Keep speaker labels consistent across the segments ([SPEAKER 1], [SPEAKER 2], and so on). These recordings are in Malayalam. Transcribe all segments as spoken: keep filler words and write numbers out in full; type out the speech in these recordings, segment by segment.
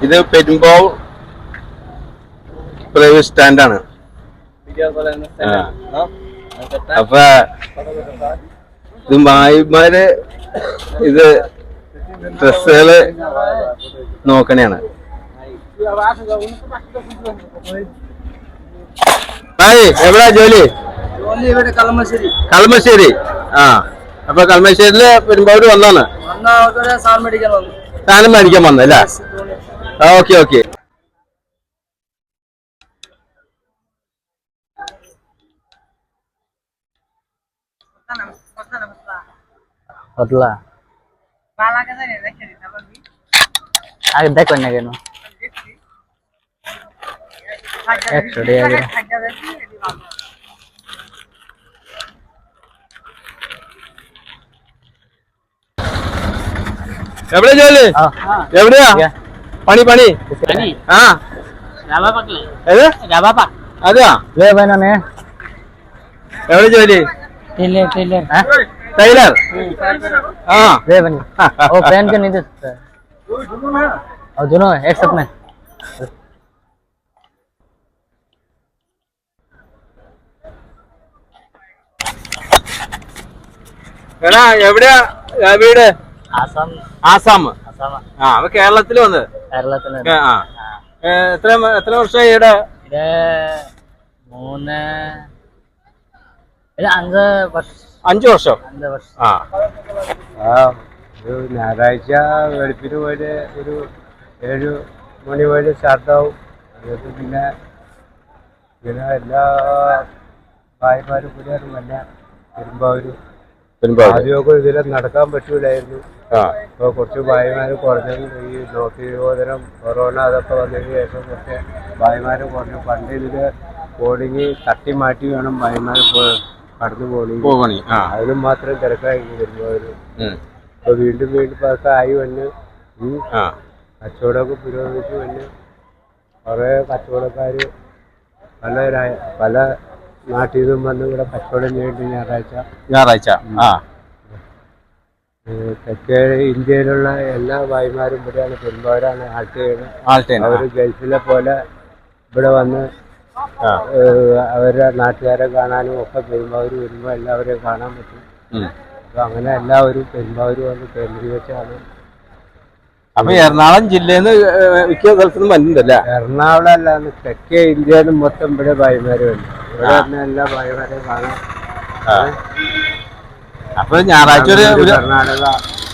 [SPEAKER 1] ഇത് പെരുമ്പാവൂർ പ്രൈവറ്റ് സ്റ്റാൻഡാണ്. അപ്പൊ ഇത് മായിമാര് ഇത് ഡ്രസ്സുകള് നോക്കണേണ്. എവിടാ ജോലി? കളമശ്ശേരി. ആ, അപ്പൊ കളമശ്ശേരിയില് പെരുമ്പാവൂര് വന്നാണ് സാധനം മേടിക്കാൻ വന്നല്ലേ? Okay okay.
[SPEAKER 2] देखो ना केनो एकशो डेढ़
[SPEAKER 1] എവിടെ ജോലി? എവിടെയാ പണി? പണി ആ അതെയാ? എവിടെ ജോലി? ടൈലർ. ആ
[SPEAKER 2] वो पहन के नहीं दे सकता और दोनों एक साथ में.
[SPEAKER 1] എടാ എവിടെയാ വീട്?
[SPEAKER 2] ആസാം.
[SPEAKER 1] ആസാം. ആ, അപ്പൊ കേരളത്തില് വന്ന്
[SPEAKER 2] കേരളത്തില്.
[SPEAKER 1] ആ, എത്ര എത്ര വർഷമായി ഇവിടെ?
[SPEAKER 2] ഇത് മൂന്ന് അഞ്ച് വർഷം.
[SPEAKER 1] അഞ്ചു വർഷം.
[SPEAKER 2] അഞ്ച് വർഷം.
[SPEAKER 1] ആ
[SPEAKER 3] ആ ഒരു ഞായറാഴ്ച വെളുപ്പിന് പോയിട്ട് ഒരു ഏഴ് മണി വരെ സ്റ്റാർട്ടാവും. അതൊക്കെ പിന്നെ ഇങ്ങനെ എല്ലാ ഭായിമാരും കൂടിയാണ് വന്ന പെരുമ്പാവൂര്. ആദ്യമൊക്കെ ഇതിലെ നടക്കാൻ പറ്റൂലായിരുന്നു. ഇപ്പോൾ കുറച്ച് ഭായിമാര് കുറഞ്ഞു. ഈ നോട്ട് നിരോധനം, കൊറോണ അതൊക്കെ വന്നതിന് ശേഷം കുറച്ച് ഭായിമാര് കുറഞ്ഞു. പണ്ട് ഇതില് ബോർഡിങ് തട്ടി മാറ്റി വേണം ഭായിമാർ കടന്നു പോകണി. അതിനും മാത്രം തിരക്കായി പെരുമ്പാവൂര്. ഇപ്പൊ വീണ്ടും വീണ്ടും ഒക്കെ ആയി വന്ന് കച്ചവടമൊക്കെ പുരോഗമിച്ച് വന്ന് കുറെ കച്ചവടക്കാര് പല പല നാട്ടിൽ നിന്നും വന്ന് ഇവിടെ കച്ചവടം ചെയ്യേണ്ടി ഞായറാഴ്ച
[SPEAKER 1] ഞായറാഴ്ച
[SPEAKER 3] തെക്കേ ഇന്ത്യയിലുള്ള എല്ലാ ഭായിമാരും ഇവിടെയാണ് പെരുമ്പാവൂരാണ് ആൾട്ട് ചെയ്യുന്നത്. അവര് ഗൾഫിലെ പോലെ ഇവിടെ വന്ന് അവരുടെ നാട്ടുകാരെ കാണാനും ഒക്കെ പെരുമ്പാവൂര് വരുമ്പോൾ എല്ലാവരെയും കാണാൻ പറ്റും. അപ്പൊ അങ്ങനെ എല്ലാവരും പെരുമ്പാവൂര് വന്ന് കേന്ദ്രീകരിച്ചാണ്.
[SPEAKER 1] അപ്പൊ എറണാകുളം ജില്ലയിൽ നിന്ന് മിക്ക സ്ഥലത്തുനിന്നും വരുന്നുണ്ടല്ലേ?
[SPEAKER 3] എറണാകുളം അല്ലാന്ന് തെക്കേ ഇന്ത്യയിൽ മൊത്തം ഇവിടെ ഭായിമാര് വന്നു. ഇവിടെ തന്നെ എല്ലാ ഭായിമാരെയും കാണാം.
[SPEAKER 1] അപ്പൊ ഞായറാഴ്ച
[SPEAKER 3] കർണാടക,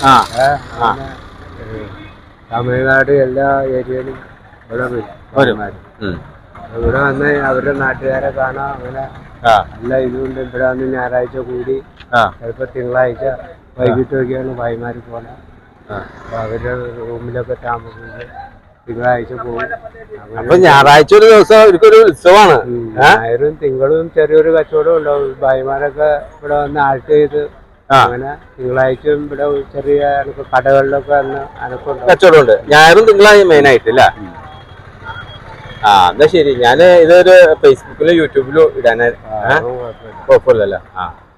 [SPEAKER 3] തമിഴ്നാട് എല്ലാ ഏരിയയിലും ഇവിടെ വരും. ഇവിടെ വന്ന് അവരുടെ നാട്ടുകാരെ കാണാം. അങ്ങനെ എല്ലാ ഇതുകൊണ്ട് ഇവിടെ വന്ന് ഞായറാഴ്ച കൂടി ചിലപ്പോ തിങ്കളാഴ്ച വൈകിട്ടൊക്കെയാണ് ഭായിമാര് പോണത്. അപ്പൊ അവരുടെ റൂമിലൊക്കെ താമസിച്ച് തിങ്കളാഴ്ച പോകും.
[SPEAKER 1] അപ്പൊ ഞായറാഴ്ച ഒരു ദിവസം ഒരു ഉത്സവമാണ്.
[SPEAKER 3] ഞായറും തിങ്കളും ചെറിയൊരു കച്ചവടം ഉണ്ടാവും. ഭായിമാരൊക്കെ ഇവിടെ വന്ന് ആൾട്ട് ചെയ്ത് അങ്ങനെ തിങ്കളാഴ്ചയും ഇവിടെ ചെറിയ കടകളിലൊക്കെ വന്ന് അനക്കം
[SPEAKER 1] കച്ചവടം ഉണ്ട്. ഞായറും തിങ്കളാഴ്ച മെയിൻ ആയിട്ടില്ല. ആ എന്നാ ശരി. ഞാന് ഇതൊരു ഫേസ്ബുക്കിലും യൂട്യൂബിലും ഇടാൻ കുഴപ്പമില്ലല്ലോ. ആ